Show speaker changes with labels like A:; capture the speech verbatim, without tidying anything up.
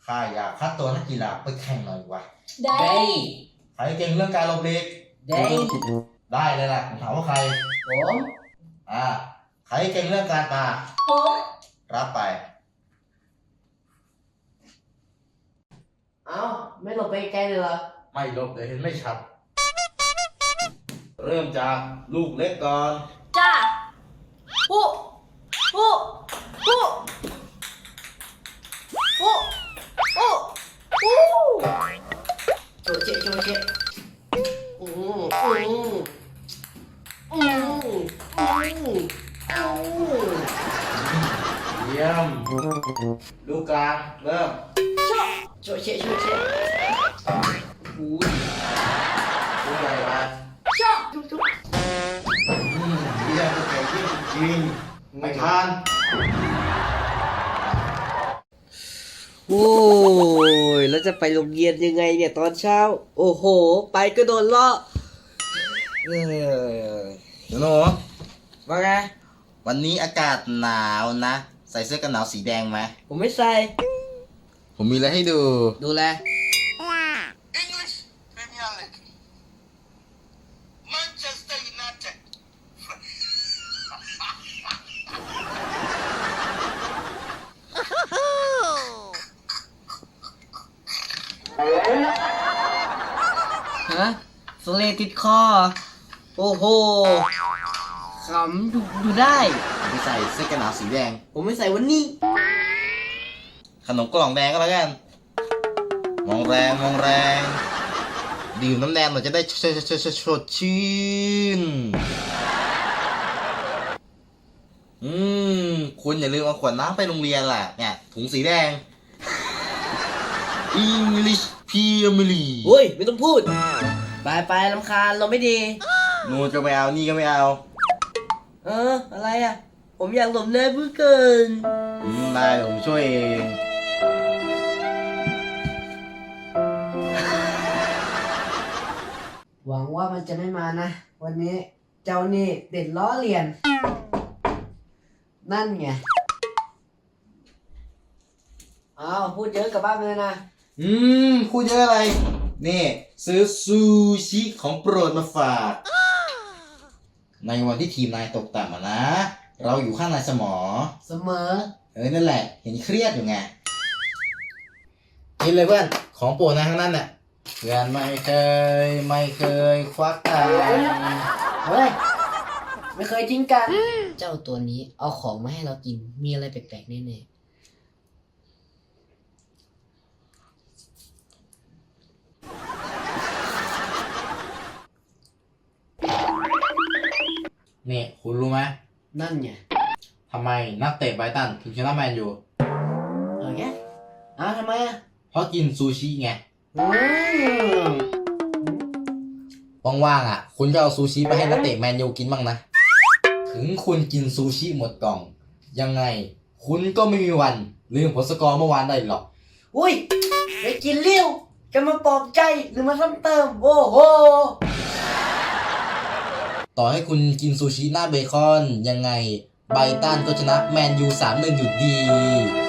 A: ข้าอยากคัดตัวนักกีฬาไปแข่งหน่อยวะ
B: ได้
A: ใครเก่งเรื่องการหลบหลีก
B: ได้
A: ได้เลยล่ะผมถามว่าใคร
B: ผม
A: อ่าใครเก่งเรื่องการปา
B: ผม
A: รับไป
B: เอ้าไม่หลบไปไกลเลยเหรอ
A: ไม่หลบเดี๋ยวเห็นไม่ชัดเริ่มจากลูกเล็กก่อน
B: จ้าปุ๊ปุ๊ปุ๊ปุ๊ปุ๊ปุ๊โจเจโจเจอืมอืมอืมอืมอืม
A: เยี่ยมลูกกลางเริ่ม
B: โจเจโจเจ
A: อุ้ยลูกใหญ่ไป
B: ชอบจุ๊บจุ๊บ
A: อืมเยี่ยมลูกใหญ่ยิ่งจริงไม่ทาน
C: โอ้ยแล้วจะไปโรงเรียนยังไงเนี่ยตอนเช้าโอ้โหไปก็โดนล้อเออ
A: หนูหนู
C: ว่าไง
A: วันนี้อากาศหนาวนะใส่เสื้อกันหนาวสีแดงไหม
C: ผมไม่ใส่
A: ผมมีอะไรให้ดู
C: ดูแล
D: English Premier League Manchester United
C: ฮะสเลติดคอโอ้โหขำดูดูได้
A: ผมไปใส่เสื้อกันหนาวสีแดง
C: ผมไม่ใส่วันนี้
A: ขนมกล่องแดงก็แล้วกันมองแรงมองแรงดื่มน้ำแดงเราจะได้ชดชดชดชดชื่นอืมคุณอย่าลืมเอาขวดน้ำไปโรงเรียนล่ะเนี่ยถุงสีแดง English Premier League
C: โอ้ยไม่ต้องพูดไปไปลำคาญเราไม่ดี
A: นู่นก็ไม่เอานี่ก็ไม่เอา
C: เอออะไรอ่ะผมอยากหลบในเพื่อเกิน
A: อืมได้เดี๋ยวผมช่วยเอง
C: หวังว่ามันจะไม่มานะ วันนี้เจ้านี่เด็ดล้อเลียน นั่นไงอ้าวพูดเยอะกลับบ้านไปเลยนะ
A: อืมพูดเยอะอะไรนี่ซื้อซูชิของโปรดมาฝากในวันที่ทีมนายตกต่ำอะนะ เราอยู่ข้างในสมอ
C: เสมอ
A: เออนั่นแหละ เห็นเครียดอยู่ไงกินเลยเพื่อนของโปรดนายทั้งนั้นน่ะเพื่อนไม่เคยไม่เคยควักตังค์
C: เฮ้ย ไม่เคยทิ้งกัน เจ้าตัวนี้เอาของมาให้เรากิน มีอะไรแปลกๆแน่ๆ
A: นี่คุณรู้ไหม
C: นั่นไง
A: ทำไมนักเตะไบรตันถึงชนะแมนยู
C: เออไงอ้าวทำไมอ่ะ
A: เพราะกินซูชิไง
C: อืม
A: ว่างๆอ่ะ คุณก็เอาซูชิไปให้นักเตะแมนยูกินบ้างนะ ถึงคุณกินซูชิหมดกล่อง ยังไง คุณก็ไม่มีวันลืมผลสกอร์เมื่อวานได้หรอก
C: อุ้ยไปกินเลี้ยวจะมาปลอบใจหรือมาซ้ำเติม โอ้โห
A: ต่อให้คุณกินซูชิหน้าเบคอนยังไงไบรตันก็ชนะแมนยูสามหนึ่งอยู่ดี